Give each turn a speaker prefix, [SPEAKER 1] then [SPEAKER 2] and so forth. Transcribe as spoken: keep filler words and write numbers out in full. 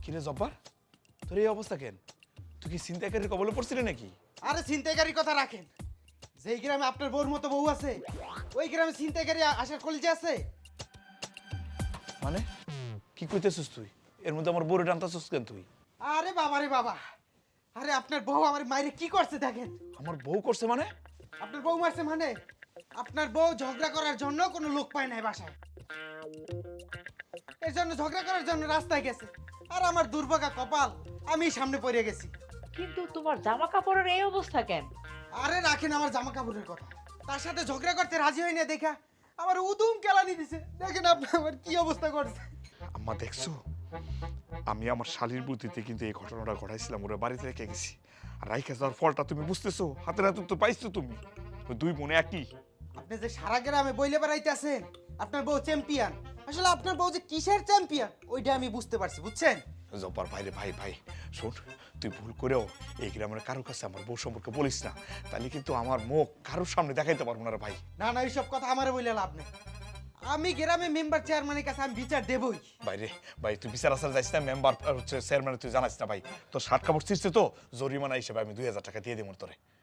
[SPEAKER 1] কিরে জব্বার, তোর এই অবস্থা কেন? তুই কি ছিনতাইকারীর কবলে পড়ছিলি নাকি?
[SPEAKER 2] আরে ছিনতাইকারীর কথা রাখেন, যেই গ্রামে আপনার বউর মতো বউ আছে ওই গ্রামে ছিনতাইকারী আসার কলিজা আছে?
[SPEAKER 1] মানে কি কইতেছিস তুই? এর মধ্যে আমার বউরে টানতাছিস কেন তুই?
[SPEAKER 2] আরে বাবা রে বাবা, আরে আপনার বউ আমার মায়েরে কি করছে দেখেন।
[SPEAKER 1] আমার বউ করছে মানে?
[SPEAKER 2] আপনার বউ মারছে মানে? আপনার বউ ঝগড়া করার জন্য কোনো লোক পায় নাই বাসায়, এর জন্য ঝগড়া করার জন্য রাস্তায় গেছে। আর আমার দুর্ভাগা কপাল, আমি সামনে পড়ে গেছি।
[SPEAKER 3] কিন্তু তোমার জামা কাপড়ের এই অবস্থা কেন?
[SPEAKER 2] আরে রাখেন আমার জামা কাপড়ের কথা, তার সাথে ঝগড়া করতে রাজি হয় না দেখা আমার উদুম কেলানি দিছে। দেখেন আপনি আমার কি অবস্থা করছে।
[SPEAKER 1] আম্মা দেখছো, আমি আমার শালীর বুদ্ধিতে কিন্তু এই ঘটনাটা ঘটাইছিলাম, ওরা বাড়িতে রেখে গেছি। আর রাইখা যাওয়ার ফলটা তুমি বুঝতেছো, হাতে হাতে তো পাইছো তুমি। ওই দুই বোনে একই।
[SPEAKER 2] আপনি যে সারা গ্রামে বইলে বেড়াইতেছেন আপনার বউ চ্যাম্পিয়ন, আসলে আপনার বউ যে কিসের চ্যাম্পিয়ন ওইটা আমি বুঝতে পারছি, বুঝছেন?
[SPEAKER 1] জব্বার ভাই রে ভাই ভাই শোন, তুই ভুল করেও এই গ্রামের কারোর কাছে আমার বউ সম্পর্কে বলিস না, তাহলে কিন্তু আমার মুখ কারোর সামনে দেখাইতে পারবো না রে ভাই।
[SPEAKER 2] না না এইসব কথা আমার বইলে লাভ নেই, আমি গ্রামে মেম্বার চেয়ারম্যানের কাছে আমি বিচার দেবই।
[SPEAKER 1] বাইরে ভাই, তুই বিচার আসার যাইস না, মেম্বার হচ্ছে চেয়ারম্যান তুই জানাস না ভাই। তোর শার্ট কাপড় ছিঁড়ছে তো, জরিমানা হিসেবে আমি দুই হাজার টাকা দিয়ে দিব তোরে।